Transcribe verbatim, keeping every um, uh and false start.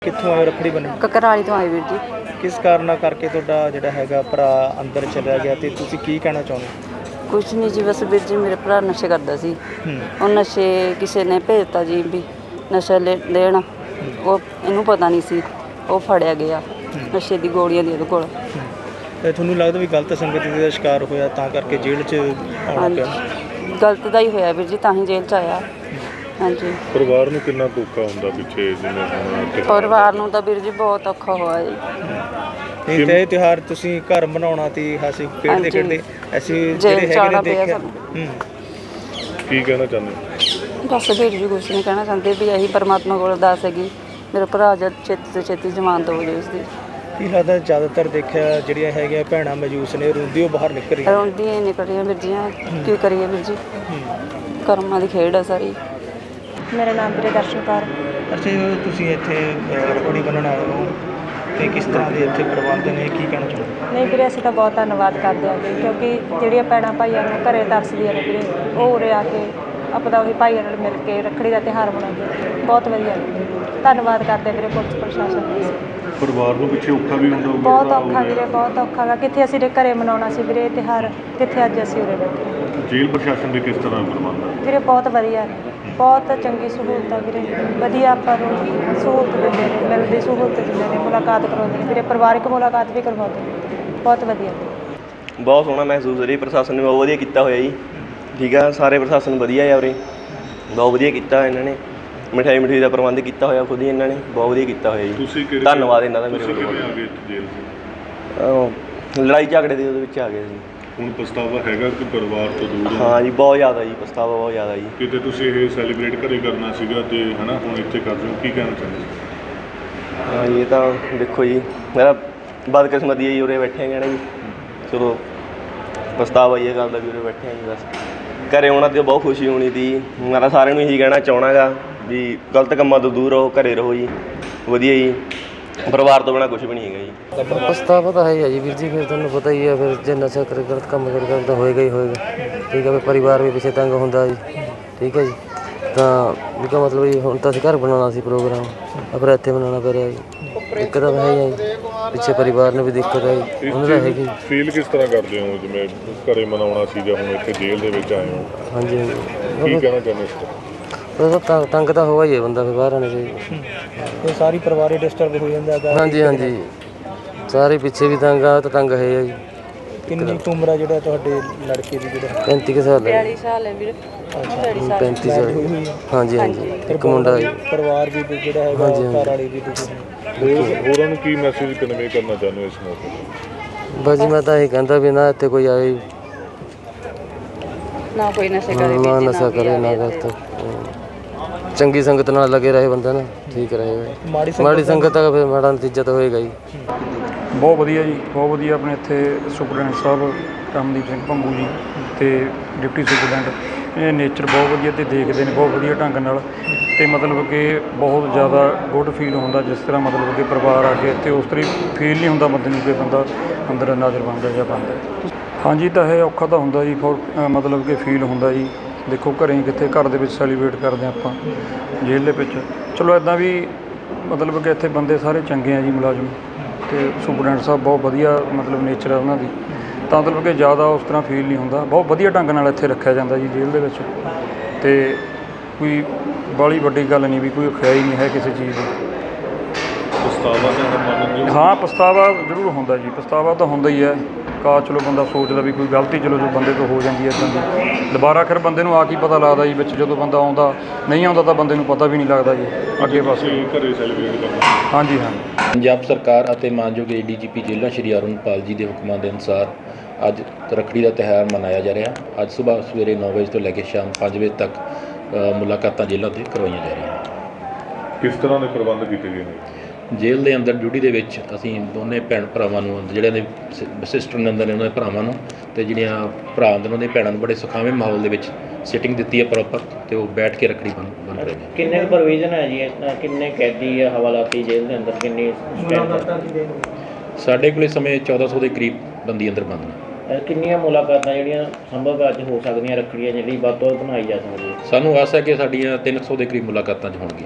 ਕਿੱਥੋਂ ਆਏ ਰੱਖੜੀ ਬੰਨ੍ਹਣ? ਕਕਰਾਲੀ ਤੋਂ ਆਏ ਵੀਰ ਜੀ। ਕਿਸ ਕਾਰਨ ਕਰਕੇ ਤੁਹਾਡਾ ਜਿਹੜਾ ਹੈਗਾ ਭਰਾ ਅੰਦਰ ਚਲਿਆ ਗਿਆ ਤੇ ਤੁਸੀਂ ਕੀ ਕਹਿਣਾ ਚਾਹੁੰਦੇ? ਕੁਛ ਨਹੀਂ ਜੀ, ਬਸ ਵੀਰ ਜੀ ਮੇਰੇ ਭਰਾ ਨਸ਼ੇ ਕਰਦਾ ਸੀ। ਉਹ ਨਸ਼ੇ ਕਿਸੇ ਨੇ ਭੇਜਤਾ ਜੀ ਵੀ ਨਸ਼ਾ ਲੈ ਲੈਣ, ਉਹ ਇਹਨੂੰ ਪਤਾ ਨਹੀਂ ਸੀ, ਉਹ ਫੜਿਆ ਗਿਆ। ਨਸ਼ੇ ਦੀ ਗੋਲੀਆਂ ਦੀ ਉਹਦੇ ਕੋਲ। ਤੇ ਤੁਹਾਨੂੰ ਲੱਗਦਾ ਵੀ ਗਲਤ ਸੰਗਤ ਦਾ ਸ਼ਿਕਾਰ ਹੋਇਆ ਤਾਂ ਕਰਕੇ ਜੇਲ੍ਹ 'ਚ ਆਉਣਾ ਪਿਆ? ਗਲਤ ਦਾ ਹੀ ਹੋਇਆ ਵੀਰ ਜੀ, ਤਾਂ ਹੀ ਜੇਲ੍ਹ 'ਚ ਆਇਆ। ਹਾਂਜੀ। ਪਰਿਵਾਰ ਨੂੰ ਕਿੰਨਾ ਔਖਾ ਹੁੰਦਾ ਪਿੱਛੇ ਜਿਵੇਂ ਹੁਣ ਪਰਿਵਾਰ ਨੂੰ ਤਾਂ ਵੀਰ ਜੀ ਬਹੁਤ ਔਖਾ ਹੋਇਆ ਜੀ। ਇਹ ਤੇ ਤਿਉਹਾਰ ਤੁਸੀਂ ਘਰ ਬਣਾਉਣਾ ਤੀ ਹਾਸੀ ਖੇਡਦੇ ਖੇਡਦੇ ਅਸੀਂ ਜਿਹੜੇ ਹੈਗੇ ਨੇ ਦੇਖਿਆ। ਹੂੰ ਕੀ ਕਹਿਣਾ ਚਾਹੁੰਦੇ? ਬਸ ਵੀਰ ਜੀ ਕੁਛ ਨਹੀਂ ਕਹਿਣਾ ਚਾਹੁੰਦੇ ਵੀ ਇਹੀ ਪਰਮਾਤਮਾ ਕੋਲ ਅਰਦਾਸ ਹੈਗੀ ਮੇਰਾ ਭਰਾ ਜਦ ਛੇਤੀ ਤੋਂ ਛੇਤੀ ਜ਼ਮਾਨਤ ਹੋ ਜਾਵੇ ਉਸਦੀ। ਕੀ ਲੱਗਦਾ ਜ਼ਿਆਦਾਤਰ ਦੇਖਿਆ ਜਿਹੜੀਆਂ ਹੈਗੀਆਂ ਭੈਣਾਂ ਮਜੂਸ ਨੇ ਰੋਂਦੀ ਉਹ ਬਾਹਰ ਨਿਕਲ ਰਹੀਆਂ ਰੋਂਦੀਆਂ ਹੀ ਨਿਕਲ ਰਹੀਆਂ ਵੀਰ ਜੀ। ਕੀ ਕਰੀਏ ਵੀਰ ਜੀ, ਕਰਮਾਂ ਦੀ ਖੇਡ ਆ ਸਾਰੀ। ਮੇਰਾ ਨਾਮ ਵੀਰੇ ਦਰਸ਼ਨ ਕੌਰ। ਅੱਛਾ ਜੀ, ਤੁਸੀਂ ਇੱਥੇ ਰੱਖੜੀ ਬੰਨ੍ਹਣ ਆਏ ਹੋ ਤੇ ਕਿਸ ਤਰ੍ਹਾਂ ਦੇ ਇੱਥੇ ਪ੍ਰਬੰਧ ਨੇ, ਕੀ ਕਹਿਣਾ ਚਾਹੁੰਦੇ? ਨਹੀਂ ਵੀਰੇ, ਅਸੀਂ ਤਾਂ ਬਹੁਤ ਧੰਨਵਾਦ ਕਰਦੇ ਹਾਂ ਜੀ, ਕਿਉਂਕਿ ਜਿਹੜੀਆਂ ਭੈਣਾਂ ਭਾਈਆਂ ਨੂੰ ਘਰੇ ਤਰਸਦੀਆਂ ਨੇ ਵੀਰੇ, ਉਹ ਉਰੇ ਆ ਕੇ ਆਪਣਾ ਉਹੀ ਭਾਈਆਂ ਨਾਲ ਮਿਲ ਕੇ ਰੱਖੜੀ ਦਾ ਤਿਉਹਾਰ ਮਨਾਉਂਦੇ। ਬਹੁਤ ਵਧੀਆ ਧੰਨਵਾਦ ਕਰਦੇ ਵੀਰੇ ਪੁਲਿਸ ਪ੍ਰਸ਼ਾਸਨ ਦਾ। ਪਰਿਵਾਰ ਨੂੰ ਪਿੱਛੇ ਔਖਾ ਵੀ ਹੁੰਦਾ ਹੋਊਗਾ? ਬਹੁਤ ਔਖਾ ਵੀਰੇ, ਬਹੁਤ ਔਖਾ ਗਾ। ਕਿੱਥੇ ਅਸੀਂ ਘਰੇ ਮਨਾਉਣਾ ਸੀ ਵੀਰੇ ਇਹ ਤਿਉਹਾਰ, ਕਿੱਥੇ ਅੱਜ ਅਸੀਂ ਉਰੇ ਬੈਠੇ। ਜੇਲ੍ਹ ਪ੍ਰਸ਼ਾਸਨ ਦੇ ਕਿਸ ਤਰ੍ਹਾਂ ਪ੍ਰਬੰਧ ਹੈ? ਵੀਰੇ ਬਹੁਤ ਵਧੀਆ ਨੇ, ਬਹੁਤ ਚੰਗੀ ਸਹੂਲਤ ਆ ਵੀਰੇ। ਵਧੀਆ ਆਪਾਂ ਨੂੰ ਸਹੂਲਤ ਦਿੰਦੇ ਨੇ, ਮਿਲਦੀ ਸਹੂਲਤ ਦਿੰਦੇ ਨੇ, ਮੁਲਾਕਾਤ ਕਰਵਾਉਂਦੇ ਨੇ ਵੀਰੇ, ਪਰਿਵਾਰਿਕ ਮੁਲਾਕਾਤ ਵੀ ਕਰਵਾਉਂਦੇ ਨੇ। ਬਹੁਤ ਵਧੀਆ, ਬਹੁਤ ਸੋਹਣਾ ਮਹਿਸੂਸ ਹੋ ਰਿਹਾ। ਪ੍ਰਸ਼ਾਸਨ ਨੇ ਬਹੁਤ ਵਧੀਆ ਕੀਤਾ ਹੋਇਆ ਜੀ। ਠੀਕ ਆ, ਸਾਰੇ ਪ੍ਰਸ਼ਾਸਨ ਵਧੀਆ ਆ ਉਰੇ, ਬਹੁਤ ਵਧੀਆ ਕੀਤਾ ਇਹਨਾਂ ਨੇ। ਮਿਠਾਈ ਮਿਠਾਈ ਦਾ ਪ੍ਰਬੰਧ ਕੀਤਾ ਹੋਇਆ ਖੁਦ ਹੀ ਇਹਨਾਂ ਨੇ, ਬਹੁਤ ਵਧੀਆ ਕੀਤਾ ਹੋਇਆ ਜੀ। ਤੁਸੀਂ ਕਿਹੜੇ ਧੰਨਵਾਦ ਇਹਨਾਂ ਦਾ ਮੇਰੇ ਵੱਲੋਂ। ਵੱਲੋਂ। ਆ ਗਏ ਜੇਲ੍ਹ ਲੜਾਈ ਝਗੜੇ ਦੇ ਉਹਦੇ ਵਿੱਚ ਆ ਗਏ ਸੀ। ਹੁਣ ਪਛਤਾਵਾ ਹੈਗਾ ਕਿ ਪਰਿਵਾਰ ਤੋਂ ਦੂਰ? ਹਾਂ ਜੀ, ਬਹੁਤ ਜ਼ਿਆਦਾ ਜੀ, ਪਛਤਾਵਾ ਬਹੁਤ ਜ਼ਿਆਦਾ ਜੀ। ਕਿਤੇ ਤੁਸੀਂ ਇਹ ਸੈਲੀਬ੍ਰੇਟ ਘਰੇ ਕਰਨਾ ਸੀਗਾ ਤੇ ਹੈ ਨਾ, ਹੁਣ ਇੱਥੇ ਕਰ ਰਹੇ ਹੋ, ਕੀ ਕਹਿਣਾ ਚਾਹੁੰਦੇ? ਹਾਂ ਜੀ, ਇਹ ਤਾਂ ਦੇਖੋ ਜੀ, ਮੇਰਾ ਬਦਕਿਸਮਤੀ ਹੈ ਜੀ, ਉਰੇ ਬੈਠੇ ਹੈਗੇ ਨਾ ਜੀ। ਚਲੋ ਪਛਤਾਵਾ ਹੀ ਇਹ ਗੱਲ ਦਾ ਵੀ ਉਰੇ ਬੈਠੇ ਹਾਂ ਜੀ। ਬਸ ਘਰੇ ਆਉਣਾ ਤੇ ਬਹੁਤ ਖੁਸ਼ੀ ਹੋਣੀ ਸੀ। ਮੈਂ ਤਾਂ ਸਾਰਿਆਂ ਨੂੰ ਇਹੀ ਕਹਿਣਾ ਚਾਹੁੰਦਾ ਗਾ ਵੀ ਗਲਤ ਕੰਮਾਂ ਤੋਂ ਦੂਰ ਰਹੋ, ਘਰੇ ਰਹੋ ਜੀ, ਵਧੀਆ ਜੀ। ਪਰਿਵਾਰ ਤੋਂ ਬਿਨਾਂ ਕੁਛ ਵੀ ਨਹੀਂ ਹੈਗਾ ਜੀ। ਪਛਤਾਵਾ ਤਾਂ ਹੈ ਹੀ ਹੈ ਜੀ ਵੀਰ ਜੀ, ਫਿਰ ਤੁਹਾਨੂੰ ਪਤਾ ਹੀ ਹੈ, ਫਿਰ ਜੇ ਨਸ਼ਾ ਕਰ ਗਲਤ ਕੰਮ ਕਰ ਕਰ ਤਾਂ ਹੋਏਗਾ ਹੀ ਹੋਏਗਾ। ਠੀਕ ਹੈ, ਫਿਰ ਪਰਿਵਾਰ ਵੀ ਪਿੱਛੇ ਤੰਗ ਹੁੰਦਾ ਜੀ। ਠੀਕ ਹੈ ਜੀ, ਤਾਂ ਇਹਦਾ ਮਤਲਬ ਜੀ ਹੁਣ ਤਾਂ ਅਸੀਂ ਘਰ ਬਣਾਉਣਾ ਸੀ ਪ੍ਰੋਗਰਾਮ, ਪਰ ਇੱਥੇ ਬਣਾਉਣਾ ਪੈ ਰਿਹਾ ਜੀ। ਦਿੱਕਤ ਤਾਂ ਹੈ ਹੀ ਜੀ, ਪਿੱਛੇ ਪਰਿਵਾਰ ਨੂੰ ਵੀ ਦਿੱਕਤ ਹੈ ਜੀ, ਉਹਨਾਂ ਦਾ ਹੈਗੀ। ਫੀਲ ਕਿਸ ਤਰ੍ਹਾਂ ਕਰਦੇ ਹੋ ਜਿਵੇਂ ਘਰੇ ਮਨਾਉਣਾ ਸੀ ਜਾਂ ਹੁਣ ਇੱਥੇ ਜੇਲ੍ਹ ਦੇ ਵਿੱਚ ਆਏ ਹੋ? ਹਾਂਜੀ ਹਾਂਜੀ, ਕੀ ਕਹਿਣਾ ਚਾਹੁੰਦੇ ਇਸ ਤਰ੍ਹਾਂ? ਤਾਂ ਤੰਗ ਤਾਂ ਹੋਇਆ ਹੀ ਹੈ ਬੰਦਾ, ਫਿਰ ਬਾਹਰ ਆਉਣਾ ਚਾਹੀਦਾ। ਇਹ ਸਾਰੀ ਪਰਿਵਾਰ ਹੀ ਡਿਸਟਰਬ ਹੋ ਜਾਂਦਾ ਹੈਗਾ। ਹਾਂਜੀ ਹਾਂਜੀ, ਸਾਰੇ ਪਿੱਛੇ ਵੀ ਤੰਗ ਆ, ਤਾਂ ਤੰਗ ਹੈ ਜੀ। ਕਿੰਨੀ ਕੁ ਉਮਰ ਆ ਜਿਹੜਾ ਤੁਹਾਡੇ ਲੜਕੇ ਦੀ? ਜਿਹੜਾ ਪੈਂਤੀ ਕੁ ਸਾਲ ਹੈ। ਬਿਆਲੀ ਸਾਲ ਹੈ ਵੀਰ। ਪੈਂਤੀ ਸਾਲ। ਹਾਂਜੀ ਹਾਂਜੀ, ਇੱਕ ਮੁੰਡਾ ਜੀ। ਪਰਿਵਾਰ ਵੀ ਜਿਹੜਾ ਹੈਗਾ ਘਰ ਵਾਲੀ ਵੀ ਤੁਸੀਂ ਹੋਰ ਹੋਰਾਂ ਨੂੰ ਕੀ ਮੈਸੇਜ ਕਨਵੇ ਕਰਨਾ ਚਾਹੁੰਦੇ ਹੋ ਇਸ ਮੌਕੇ ਤੇ? ਬਸ ਜੀ ਮੈਂ ਤਾਂ ਇਹ ਕਹਿੰਦਾ ਵੀ ਨਾ ਇੱਥੇ ਕੋਈ ਆਏ ਨਾ, ਕੋਈ ਨਸ਼ੇ ਕਰੇ, ਨਾ ਨਸ਼ਾ ਕਰੇ, ਨਾ ਗਲਤ, ਚੰਗੀ ਸੰਗਤ ਨਾਲ ਲੱਗੇ ਰਹੇ ਬੰਦਾ ਨਾ, ਠੀਕ ਰਹੇ। ਮਾੜੀ ਸੰਗਤ ਦਾ ਫਿਰ ਮਾੜਾ ਨਤੀਜਾ ਤਾਂ ਹੋਏਗਾ ਜੀ। ਬਹੁਤ ਵਧੀਆ ਜੀ, ਬਹੁਤ ਵਧੀਆ। ਆਪਣੇ ਇੱਥੇ ਸੁਪਰਡੈਂਟ ਸਾਹਿਬ ਰਮਨਦੀਪ ਸਿੰਘ ਭੰਗੂ ਜੀ ਅਤੇ ਡਿਪਟੀ ਸੁਪਰਡੈਂਟ, ਇਹ ਨੇਚਰ ਬਹੁਤ ਵਧੀਆ ਅਤੇ ਦੇਖਦੇ ਨੇ ਬਹੁਤ ਵਧੀਆ ਢੰਗ ਨਾਲ, ਅਤੇ ਮਤਲਬ ਕਿ ਬਹੁਤ ਜ਼ਿਆਦਾ ਗੁੱਡ ਫੀਲ ਹੁੰਦਾ ਜਿਸ ਤਰ੍ਹਾਂ ਮਤਲਬ ਕਿ ਪਰਿਵਾਰ ਆ ਕੇ ਇੱਥੇ ਉਸ ਤਰ੍ਹਾਂ ਫੀਲ ਨਹੀਂ ਹੁੰਦਾ ਬੰਦੇ ਨੂੰ ਕਿ ਬੰਦਾ ਅੰਦਰ ਨਾਜ਼ਰ ਬਣਦਾ ਜਾਂ ਬਣਦਾ। ਹਾਂਜੀ, ਤਾਂ ਇਹ ਔਖਾ ਤਾਂ ਹੁੰਦਾ ਜੀ, ਫੋਰ ਮਤਲਬ ਕਿ ਫੀਲ ਹੁੰਦਾ ਜੀ। ਦੇਖੋ ਘਰੇ ਕਿੱਥੇ, ਘਰ ਦੇ ਵਿੱਚ ਸੈਲੀਬ੍ਰੇਟ ਕਰਦੇ ਹਾਂ ਆਪਾਂ, ਜੇਲ੍ਹ ਦੇ ਵਿੱਚ ਚਲੋ ਇੱਦਾਂ ਵੀ ਮਤਲਬ ਕਿ ਇੱਥੇ ਬੰਦੇ ਸਾਰੇ ਚੰਗੇ ਆ ਜੀ, ਮੁਲਾਜ਼ਮ ਅਤੇ ਸੁਪਰਡੈਂਟ ਸਾਹਿਬ ਬਹੁਤ ਵਧੀਆ ਮਤਲਬ ਨੇਚਰ ਆ ਉਹਨਾਂ ਦੀ, ਤਾਂ ਮਤਲਬ ਕਿ ਜ਼ਿਆਦਾ ਉਸ ਤਰ੍ਹਾਂ ਫੀਲ ਨਹੀਂ ਹੁੰਦਾ। ਬਹੁਤ ਵਧੀਆ ਢੰਗ ਨਾਲ ਇੱਥੇ ਰੱਖਿਆ ਜਾਂਦਾ ਜੀ ਜੇਲ੍ਹ ਦੇ ਵਿੱਚ, ਅਤੇ ਕੋਈ ਬਾਹਲੀ ਵੱਡੀ ਗੱਲ ਨਹੀਂ ਵੀ ਕੋਈ ਖਿਆਈ ਨਹੀਂ ਹੈ ਕਿਸੇ ਚੀਜ਼ ਦੀ। ਪਛਤਾਵਾ ਤਾਂ ਹਾਂ, ਪਛਤਾਵਾ ਜ਼ਰੂਰ ਹੁੰਦਾ ਜੀ, ਪਛਤਾਵਾ ਤਾਂ ਹੁੰਦਾ ਹੀ ਹੈ। ਕਾ ਚਲੋ ਬੰਦਾ ਸੋਚਦਾ ਵੀ ਕੋਈ ਗਲਤੀ ਚਲੋ ਜੋ ਬੰਦੇ ਤੋਂ ਹੋ ਜਾਂਦੀ ਹੈ ਇੱਦਾਂ ਦੀ, ਦੁਬਾਰਾ ਫਿਰ ਬੰਦੇ ਨੂੰ ਆ ਕੀ ਪਤਾ ਲੱਗਦਾ ਜੀ ਵਿੱਚ, ਜਦੋਂ ਬੰਦਾ ਆਉਂਦਾ ਨਹੀਂ ਆਉਂਦਾ ਤਾਂ ਬੰਦੇ ਨੂੰ ਪਤਾ ਵੀ ਨਹੀਂ ਲੱਗਦਾ ਜੀ ਅੱਗੇ ਪਾਸੇ। ਘਰੇ ਸੈਲੀਬ੍ਰੇਟ ਕਰਨਾ? ਹਾਂਜੀ ਹਾਂ। ਪੰਜਾਬ ਸਰਕਾਰ ਅਤੇ ਮਾਨਯੋਗ ਏ ਡੀ ਜੀ ਪੀ ਜੇਲ੍ਹਾਂ ਸ਼੍ਰੀ ਅਰੁਣਪਾਲ ਜੀ ਦੇ ਹੁਕਮਾਂ ਦੇ ਅਨੁਸਾਰ ਅੱਜ ਰੱਖੜੀ ਦਾ ਤਿਉਹਾਰ ਮਨਾਇਆ ਜਾ ਰਿਹਾ। ਅੱਜ ਸੁਬਾਹ ਸਵੇਰੇ ਨੌ ਵਜੇ ਤੋਂ ਲੈ ਕੇ ਸ਼ਾਮ ਪੰਜ ਵਜੇ ਤੱਕ ਮੁਲਾਕਾਤਾਂ ਜੇਲ੍ਹਾਂ 'ਤੇ ਕਰਵਾਈਆਂ ਜਾ ਰਹੀਆਂ। ਕਿਸ ਤਰ੍ਹਾਂ ਦੇ ਪ੍ਰਬੰਧ ਕੀਤੇ ਗਏ ਨੇ? ਜੇਲ੍ਹ ਦੇ ਅੰਦਰ ਡਿਊਟੀ ਦੇ ਵਿੱਚ ਅਸੀਂ ਦੋਨੇ ਭੈਣ ਭਰਾਵਾਂ ਨੂੰ, ਜਿਹੜਿਆਂ ਦੇ ਸਿਸਟਰ ਨੇ ਅੰਦਰ ਨੇ ਉਹਨਾਂ ਦੇ ਭਰਾਵਾਂ ਨੂੰ, ਅਤੇ ਜਿਹੜੀਆਂ ਭਰਾ ਅੰਦਰ ਉਹਨਾਂ ਦੀਆਂ ਭੈਣਾਂ ਨੂੰ ਬੜੇ ਸੁਖਾਵੇਂ ਮਾਹੌਲ ਦੇ ਵਿੱਚ ਸਿਟਿੰਗ ਦਿੱਤੀ ਹੈ ਪ੍ਰੋਪਰ, ਅਤੇ ਉਹ ਬੈਠ ਕੇ ਰੱਖੜੀ ਬੰਨ ਬੰਨ ਰਹੇ ਨੇ। ਕਿੰਨੇ ਪ੍ਰੋਵੀਜ਼ਨ ਹੈ ਜੀ, ਕਿੰਨੇ ਕੈਦੀ ਆ ਹਵਾਲਾਤੀ ਜੇਲ੍ਹ ਦੇ ਅੰਦਰ, ਕਿੰਨੀ ਸਾਡੇ ਕੋਲ ਇਸ ਸਮੇਂ ਚੌਦਾਂ ਸੌ ਦੇ ਕਰੀਬ ਬੰਦੀ ਅੰਦਰ ਬੰਦ ਨੇ। ਕਿੰਨੀਆਂ ਮੁਲਾਕਾਤਾਂ ਜਿਹੜੀਆਂ ਸੰਭਵ ਅੱਜ ਹੋ ਸਕਦੀਆਂ ਰੱਖੜੀਆਂ ਜਿਹੜੀ ਵੱਧ ਤੋਂ ਵੱਧ ਬਣਾਈ ਜਾ ਸਕਦੀ ਹੈ? ਸਾਨੂੰ ਆਸ ਹੈ ਕਿ ਸਾਡੀਆਂ ਤਿੰਨ ਸੌ ਦੇ ਕਰੀਬ ਮੁਲਾਕਾਤਾਂ 'ਚ ਹੋਣਗੀਆਂ।